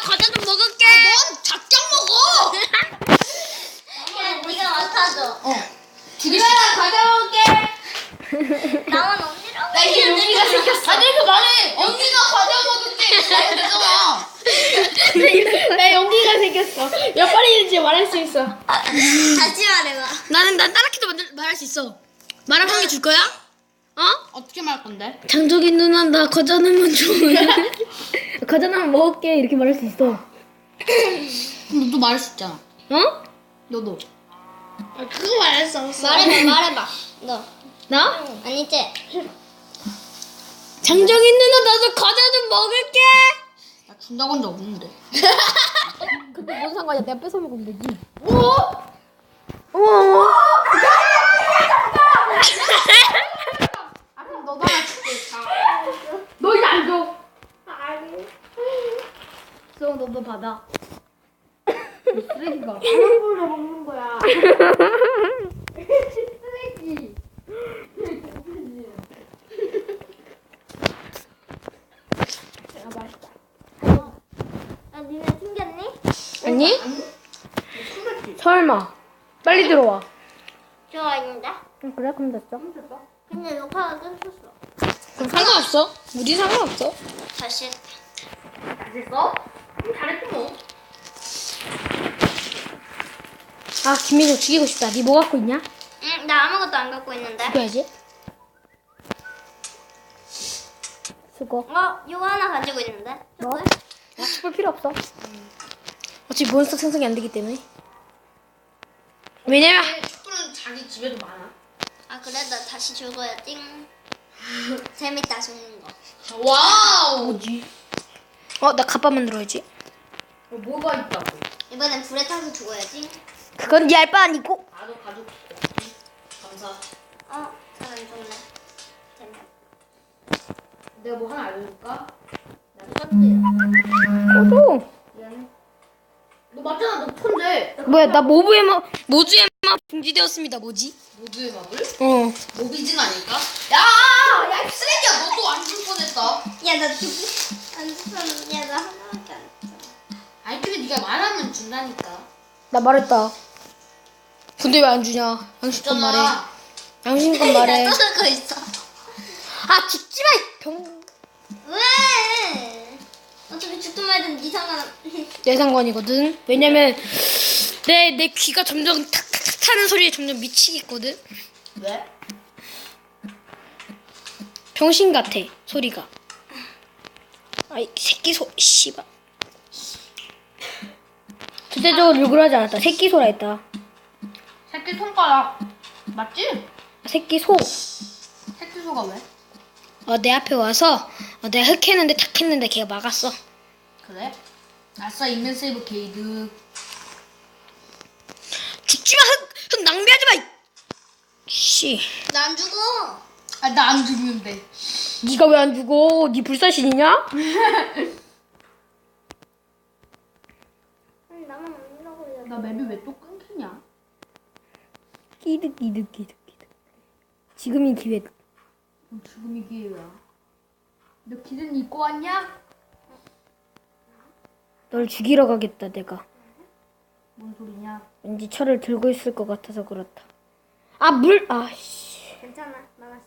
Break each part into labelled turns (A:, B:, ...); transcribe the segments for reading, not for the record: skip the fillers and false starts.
A: 과자 좀 먹을게.
B: 넌 작게 먹어.
C: 야, 네가 맡아줘.
B: 두 개씩.
A: 과자 먹을게.
C: 나만 언니라고.
A: 나 이제 용기가 생겼어.
B: 아니 이렇게 말해. 언니가 과자 먹을게. 말이 되잖아.
A: 나 용기가 생겼어. 몇 번이든지 말할 수 있어.
C: 다시 말해봐.
A: 난 따라키도 말할 수 있어. 말하면 한 개 줄 거야? 어?
B: 어떻게 말할 건데?
A: 장족이 누나 나 과자 하나만 줘. 과자 하나만 먹을게 이렇게 말할 수 있어.
B: 그럼 너도 말할 수 있잖아.
A: 어?
B: 너도.
A: 그거 말할 수 없어.
C: 말해봐. 너.
A: 나?
C: 아니지?
A: 장족이 누나 나도 과자 좀 먹을게.
B: 나 준다고 한 적 없는데.
A: 근데 뭔 상관이야? 내가 뺏어 먹으면 되지.
B: 아 그럼 너도 하나 줄게.
A: 너 이제 안 줘. 수영 너도 받아. 쓰레기가.
B: 물 먹는 거야.
A: 쓰레기. 아 맛있다.
C: 아, 니네 튕겼니?
A: 아니? 설마. 빨리 들어와.
C: 좋아했는데?
A: 그래? 그럼 됐어.
C: 근데 녹화가 끊겼어.
A: 그럼 상관없어. 우리 상관없어.
C: 다시 했다.
B: 됐어? 잘했지 뭐.
A: 아 김민호 죽이고 싶다. 니 뭐 갖고 있냐?
C: 응, 나 아무것도 안 갖고 있는데.
A: 죽여야지. 수고.
C: 이거 하나 가지고 있는데.
A: 뭐? 나 촛불 필요 없어. 어차피 몬스터 생성이 안 되기 때문에. 왜냐면
B: 촛불은 자기 집에도 많아.
C: 아, 그래? 나 다시 죽어야 띵. 재밌다, 죽는 거.
B: 와우.
A: 뭐지? 나 갑바 만들어야지.
B: 뭐가 있다고?
C: 이번엔 불에 타서 죽어야지.
A: 그건 네 알바 아니고.
B: 나도 가족. 감사.
C: 잘 안 죽네. 재밌다.
B: 내가 뭐 하나 알려줄까? 나
A: 너도.
B: 미안해. 너 맞잖아. 너 천재.
A: 뭐야 나 모두의 맛 금지되었습니다. 뭐지?
B: 모두의 밥을?
A: 모비진
B: 아닐까? 야, 이 쓰레기야. 너도 안 줄 뻔했다.
C: 야, 나 안 죽었는데. 야, 나 하나밖에 안 죽었어.
B: 아니 근데 네가 말하면 준다니까.
A: 나 말했다. 근데 왜 안 주냐? 양심껏 말해. 양심껏 말해.
C: 나 떠들고 있어.
A: 아 죽지 마. 이 병.
C: 왜? 어차피 죽든 말든 네 상관.
A: 내 상관이거든. 왜냐면 내 귀가 점점 탁탁탁 타는 소리에 점점 미치겠거든.
B: 왜?
A: 병신 같아 소리가. 아이 새끼 씨발. 절대적으로 욕을 하지 않았다. 새끼 소라 했다.
B: 새끼 손가락. 맞지?
A: 새끼 소.
B: 새끼 소가 왜?
A: 내 앞에 와서 내가 흑했는데 탁했는데 걔가 막았어.
B: 그래? 아싸 인맨 세이브 게이드.
A: 죽지마. 흑 낭비하지 마. 씨.
C: 나 안 죽어.
B: 아 나 안 죽는데.
A: 네가 왜 안 죽어? 네 불사신이냐?
C: 나만 안 죽어.
B: 나 맵이 왜 또 끊기냐?
A: 끼득. 지금이 기회다.
B: 지금이 기회야. 너 기든 입고 왔냐?
A: 널 죽이러 가겠다 내가.
B: 뭔 소리냐?
A: 왠지 철을 들고 있을 것 같아서 그렇다. 물. 씨.
C: 괜찮아. 막았어.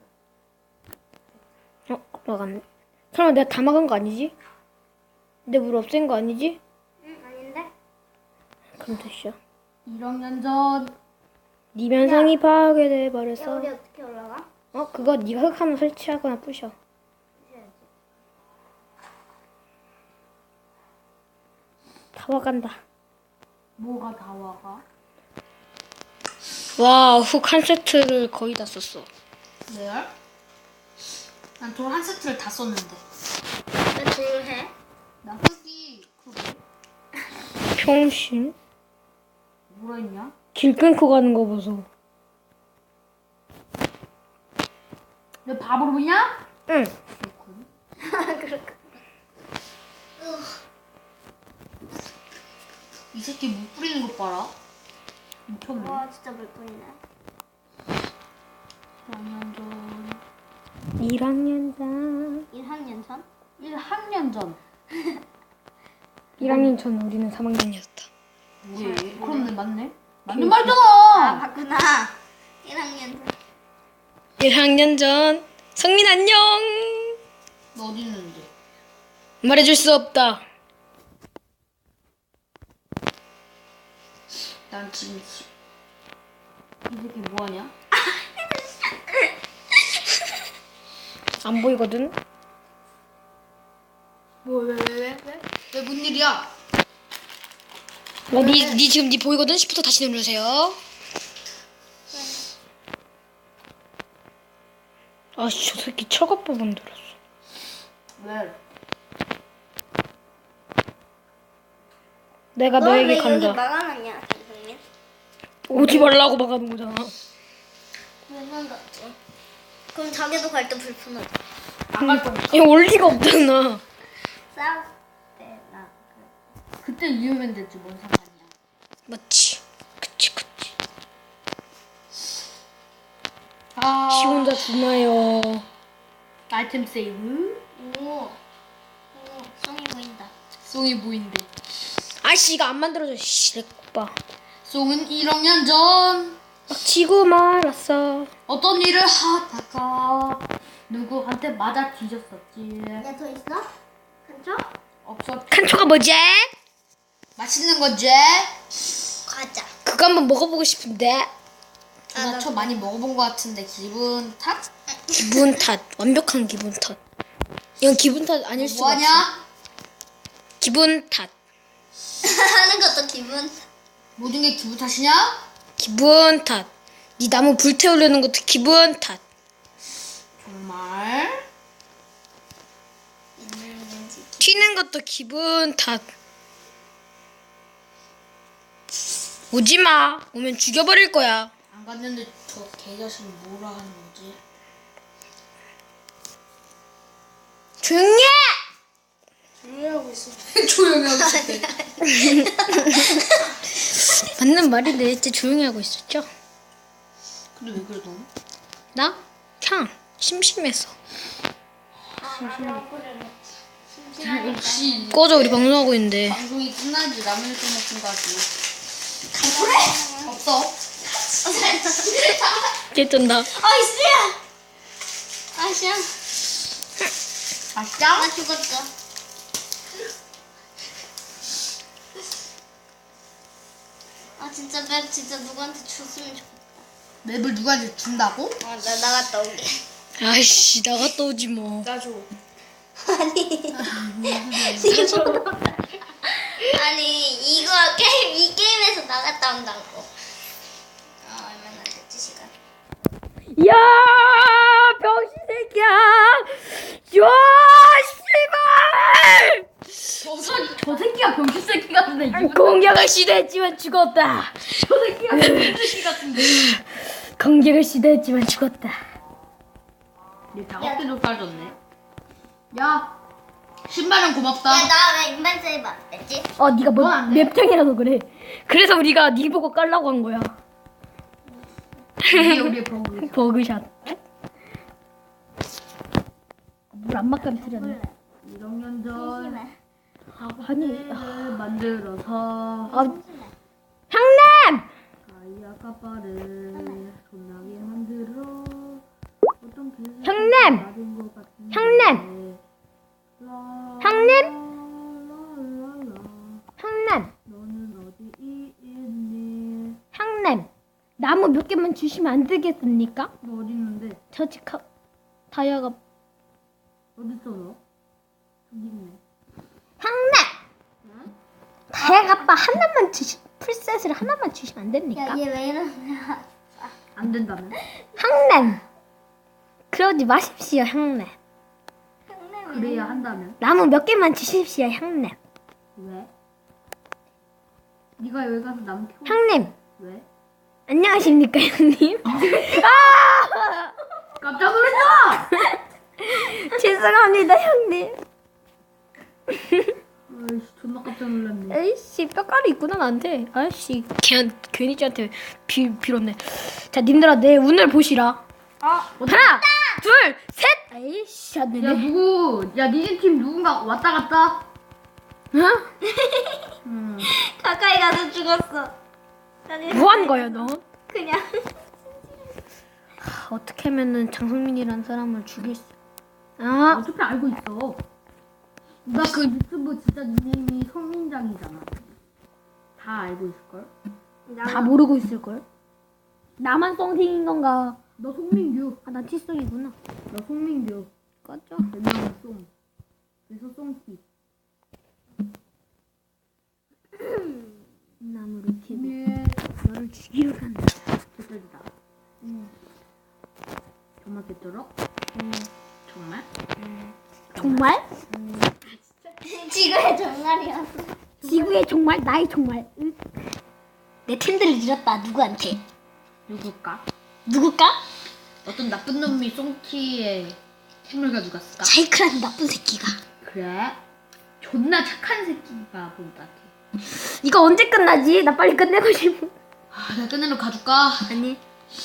A: 막았네. 설마 내가 다 막은 거 아니지? 내 물 없앤 거 아니지?
C: 응, 아닌데?
A: 그럼 됐어.
B: 1학년 전.
A: 네 면상이 파괴돼
C: 야,
A: 버렸어.
C: 우리 어떻게 올라가?
A: 그거 네가 흙 하나 설치하거나 부셔. 다 와간다.
B: 뭐가 다 와가?
A: 와, 흙 한 세트를 거의 다 썼어.
B: 레알? 난 돌 한 세트를 다 썼는데.
C: 나 조용해.
B: 나 흙이 그거
A: 평신?
B: 뭐라 했냐?
A: 길 끊고 가는 거 보소.
B: 너 바보로 보냐?
A: 응.
B: 그렇군. 이 새끼 못 뿌리는 것 봐라. 미쳤네.
C: 와, 진짜 물 뿌리네.
B: 1학년 전.
A: 1학년 전.
C: 1학년 전?
B: 1학년 전.
A: 1학년 전 우리는 3학년이었다.
B: 뭐해? 그럼 맞네. 맞는
C: 아
B: 말이잖아.
C: 맞구나. 1학년.
A: 1학년 전 성민 안녕.
B: 너 어디 있는데?
A: 말해줄 수 없다.
B: 난 지금 이 새끼 뭐하냐?
A: 안 보이거든.
B: 왜 뭔 일이야?
A: 니 지금 니 보이거든. 10부터 다시 누르세요. 아씨 저 새끼 철갑법 만들었어.
B: 왜?
A: 내가
C: 너 왜
A: 너에게
C: 여기
A: 간다.
C: 막아놨냐, 선생님?
A: 오지 말라고 막아놓은 거잖아.
C: 왜 상관없지? 그럼 자기도 갈 때 불편하다.
B: 안갈 거야.
A: 이거 올 리가 없잖아.
C: 싸울 때나
B: 그때 위험했 됐지 뭔 상관이야.
A: 맞지. 그치.
B: 아.
A: 지 혼자 주나요.
B: 아이템 세이브.
C: 오, 송이 보인다.
B: 송이 보인대.
A: 아씨 이거 안 만들어져. 씨, 내 오빠.
B: 송은 1학년 전
A: 막 지고 말았어.
B: 어떤 일을 하다가 누구한테 맞아 뒤졌었지.
C: 야, 더 있어? 한쪽?
B: 없어.
A: 칸초가 뭐지?
B: 맛있는 거지?
C: 과자.
A: 그거 한번 먹어보고 싶은데.
B: 나초 많이 먹어본 것 같은데 기분 탓?
A: 기분 탓. 완벽한 기분 탓. 이건 기분 탓 아닐 수가 없어.
B: 뭐하냐?
A: 기분 탓.
C: 하는 것도 기분.
B: 모든 게 기분 탓이냐?
A: 기분 탓. 네 나무 불태우려는 것도 기분 탓.
B: 정말?
C: 있는지.
A: 튀는 것도 기분 탓. 오지 마. 오면 죽여버릴 거야.
B: 안 갔는데 저 개자식 뭐라 하는 거지?
A: 조용히 해!
C: 조용히 하고 있어.
B: 조용히 하고 있을 때.
A: 맞는 말인데 진짜 조용히 하고 있었죠?
B: 근데 왜 그래 너?
A: 나? 그냥 심심해서.
B: 역시
A: 꺼져 우리 방송하고 있는데.
B: 방송이 끝나지 라면을 좀 먹은 거 같지. 없어.
A: 깨뜬다.
C: 아이씨야! 아이씨야.
B: 맛있다?
C: 나 죽었어. 아, 진짜 맵 진짜 누구한테 줬으면 좋겠다.
B: 맵을 누구한테 준다고?
C: 나 나갔다 오게.
A: 아이씨 나갔다 오지 뭐.
B: 나줘.
C: 아니 이거 아니 이거 이 게임에서 나갔다 온다고. 아 얼마나 됐지 시간?
A: 야 병신 새끼야. 야 씨발.
B: 저 새끼가 병신 새끼 같은데.
A: 공격을 시도했지만 죽었다.
B: 저 새끼가 병신 새끼 같은데.
A: 공격을 시도했지만 죽었다.
B: 얘 작업대도 싸줬네. 야, 신발은 고맙다.
C: 야 나 왜 인반 세이브 안 했지?
A: 네가
B: 뭐안 돼?
A: 맵탱이라서 그래. 그래서 우리가 네 보고 깔라고 한 거야.
B: 이게 우리의 버그.
A: 버그샷. 물 안 막감 틀렸네.
B: 1학년 전
C: 심심해.
A: 아니,
B: 학교를 만들어서
A: 형님!
B: 가이아 까빠를 존나게 만들어 어떤 개새끼가
A: 형님!
B: 맞은 것 같은데.
A: 형님! 형님!
B: 랄랄랄라.
A: 형님!
B: 너는 어디 있니?
A: 형님! 나무 몇 개만 주시면 안 되겠습니까?
B: 너 어디 있는데?
A: 저 지금 다이아가
B: 어디 있어 너? 저기 있네.
A: 형님! 다이아가 아빠 하나만 풀셋을 하나만 주시면 안 됩니까?
C: 야얘 왜 이러냐?
B: 안 된다면?
A: 형님! 그러지 마십시오 형님.
B: 그래야 한다면?
A: 나무 몇 개만 주십시오 형님.
B: 왜? 네가 여기 가서 나무 키워.
A: 형님!
B: 왜?
A: 안녕하십니까 형님?
B: 깜짝 놀랐다!
A: 죄송합니다 형님.
B: 아이씨 존나 깜짝 놀랐네.
A: 에이씨 뼈가루 있구나 나한테. 아이씨 괜히 쟤한테 빌었네. 자 님들아 내 운을 보시라. 하나 둘 셋. 에이씨 안
B: 야
A: 되네.
B: 누구? 야 니네 팀 누군가 왔다 갔다?
A: 응?
C: 가까이 가서 죽었어.
A: 뭐 하는 거야 너?
C: 그냥.
A: 어떻게 하면은 장성민이라는 사람을 죽일 수? 아,
B: 어차피 알고 있어. 나 그 유튜브 진짜 닉네임이 성민장이잖아. 다 알고 있을걸?
A: 다 모르고 있을 걸. 나만 썽팅인 건가?
B: 너 송민규.
A: 아, 난 티성이구나.
B: 너 송민규.
A: 꺼져.
B: 별명은 송. 그래서 송티.
A: 나무를 캐고
B: 김일
A: 너를 죽이러 간다.
B: 개쩔이다.
A: 응.
B: 정말 개쩔어?
A: 응.
B: 정말?
A: 정말?
C: 지구의 정말이었어.
A: 지구의 정말? 나의 정말? 응? 내 텐들을 잃었다. 누구한테?
B: 누굴까?
A: 누굴까?
B: 어떤 나쁜 놈이 송티의 템을 가져갔을까?
A: 자이크라는 나쁜 새끼가.
B: 그래? 존나 착한 새끼가 본 것 같아.
A: 이거 언제 끝나지? 나 빨리 끝내고 싶어.
B: 아, 내가 끝내러 가줄까?
A: 아니.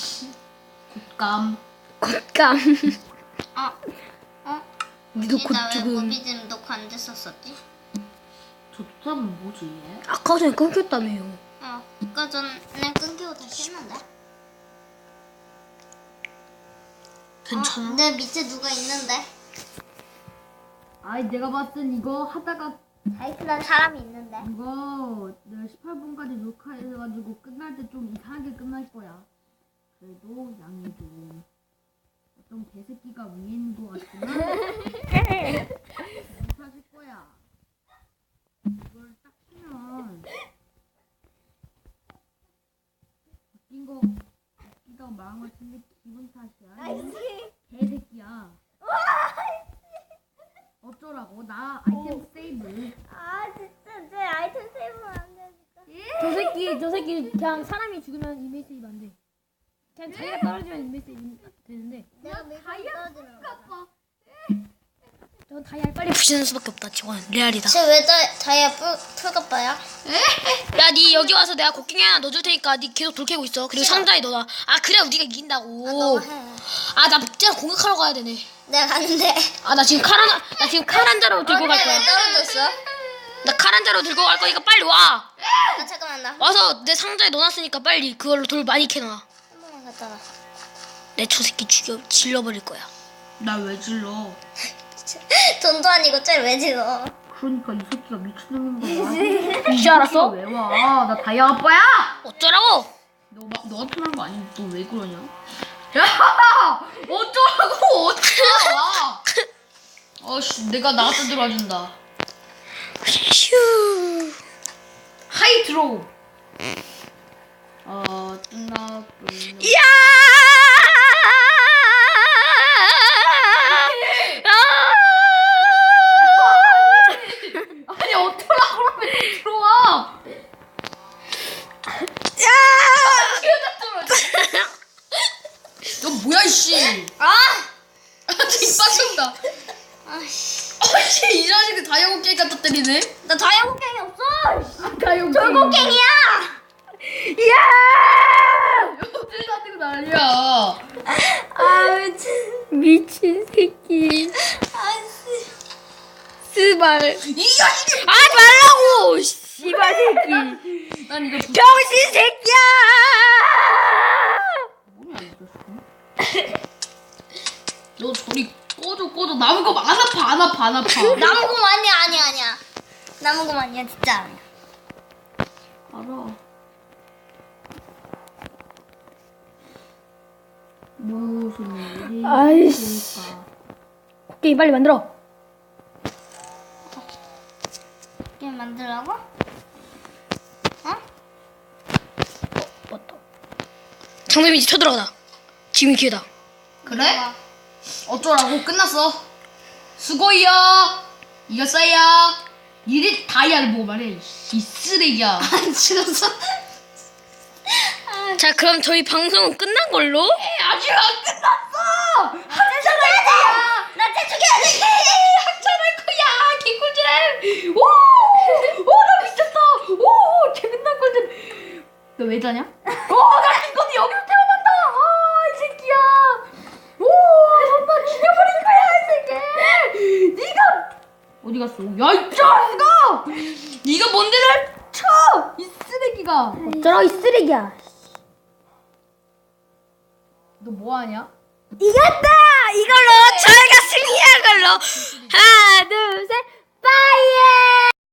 B: 곶감.
A: 곶감. 니도 곧
C: 나왜
A: 죽음.
C: 모비즘 놓고 안 됐었었지?
B: 저 사람은 뭐지 얘?
A: 아까 전에 끊겼다며요.
C: 아까 전에 끊기고 다시 했는데?
A: 괜찮아?
C: 내 밑에 누가 있는데?
B: 아이 내가 봤을 땐 이거 하다가
C: 자이크라는 사람이 있는데?
B: 이거 내가 18분까지 녹화해가지고 끝날 때 좀 이상하게 끝날 거야. 그래도 양해 좀. 어떤 개새끼가 위에 있는 것 같지만 못하실 거야. 이걸 딱 치면 웃기다고 말한 것 같은데 기분 탓이야. 개새끼야. 어쩌라고? 나 아이템 세이브.
C: 아 진짜 내 아이템 세이브는 안 되니까.
A: 저 새끼 그냥 사람이 죽으면 이메일 세이브 안 돼. 그냥 자기가 떨어지면 이메일 세이브 되는데.
C: 내가 밀가루 떨어지는 거야.
A: 저 다이아를 빨리 부시는 수밖에 없다. 지원 레알이다.
C: 쟤왜 다이아 풀갑바야?
A: 야, 니 여기 와서 내가 곡괭이 하나 넣어줄 테니까 니 계속 돌 캐고 있어. 그리고 상자에 넣어놔. 아, 그래 우리가 이긴다고.
C: 너가 해.
A: 아, 나 진짜 공격하러 가야 되네.
C: 내가 가는데.
A: 아, 나 지금 칼 한 자루 들고 갈 거야.
C: 왜 떨어졌어?
A: 나 칼 한 자루 들고 갈 거니까 빨리 와.
C: 잠깐만 나.
A: 와서 내 상자에 넣어놨으니까 빨리 그걸로 돌 많이 캐놔.
C: 한 번만 갔다 와.
A: 내 저 새끼 질러버릴 거야.
B: 나 왜 질러?
C: 돈도 아니고 쟤왜 지어?
B: 그러니까 이 새끼가 미친놈인 거야.
A: 이제 알았어?
B: 왜 와? 나 다이아 아빠야!
A: 어쩌라고?
B: 너 같은 거 아니? 너 왜 그러냐? 야! 어쩌라고! 어쩌라 와! 어씨, 내가 나갔다 들어와준다.
A: 휴.
B: 하이 드로우. 끝나.
A: 이야!
B: 아니 어쩌라고 그러면 들어와. 너 뭐야 이씨. 지금 빠진다.
C: 아씨.
B: 아씨 이 자식이 다이아고 게임 갖다 때리네.
C: 나 다이아 곡괭이 없어.
B: 다이아고
C: 돌곡괭이야.
A: 이야!
B: 어딜 가지고 난리야.
C: 아
A: 미친 새끼.
C: 아씨.
A: 스발.
B: 이 자식이.
A: 아, 말라고! 씨발 새끼.
B: 난 이거
A: 병신 새끼야!
B: 뭐냐 이거. 너 저리 꺼져. 나무검 안 아파.
C: 나무공 아니야. 나무공 아니야 진짜 아니야.
B: 알아. 무슨 일이
A: 아이씨.
B: 있을까?
A: 곡괭이 빨리 만들어.
C: 게임 만들라고?
A: 맞다. 장남이 이제 쳐들어가다. 지금이 기회다.
B: 그래? 어쩌라고? 끝났어. 수고이야. 이겼어요. 이리 다이아를 보고 말해. 이 쓰레기야.
C: 안 죽었어.
A: 자, 그럼 저희 방송은 끝난 걸로?
B: 아직 안 끝났어.
C: 나쟤 죽여야 돼.
B: 한잔할 거야. 개꿀잼. 나 미쳤다. 재밌는 꿀잼. 너 왜 자냐? 나 이거 여기서 태어난다. 이 새끼야. 정말 죽여버릴 거야 이 새끼. 네가 어디 갔어? 야 이 자식아. 네가 뭔데 날 쳐! 이 쓰레기가.
A: 어쩌라고 이 쓰레기야.
B: 너 뭐하냐?
A: 이겼다! 이걸로 저희가 승리한 걸로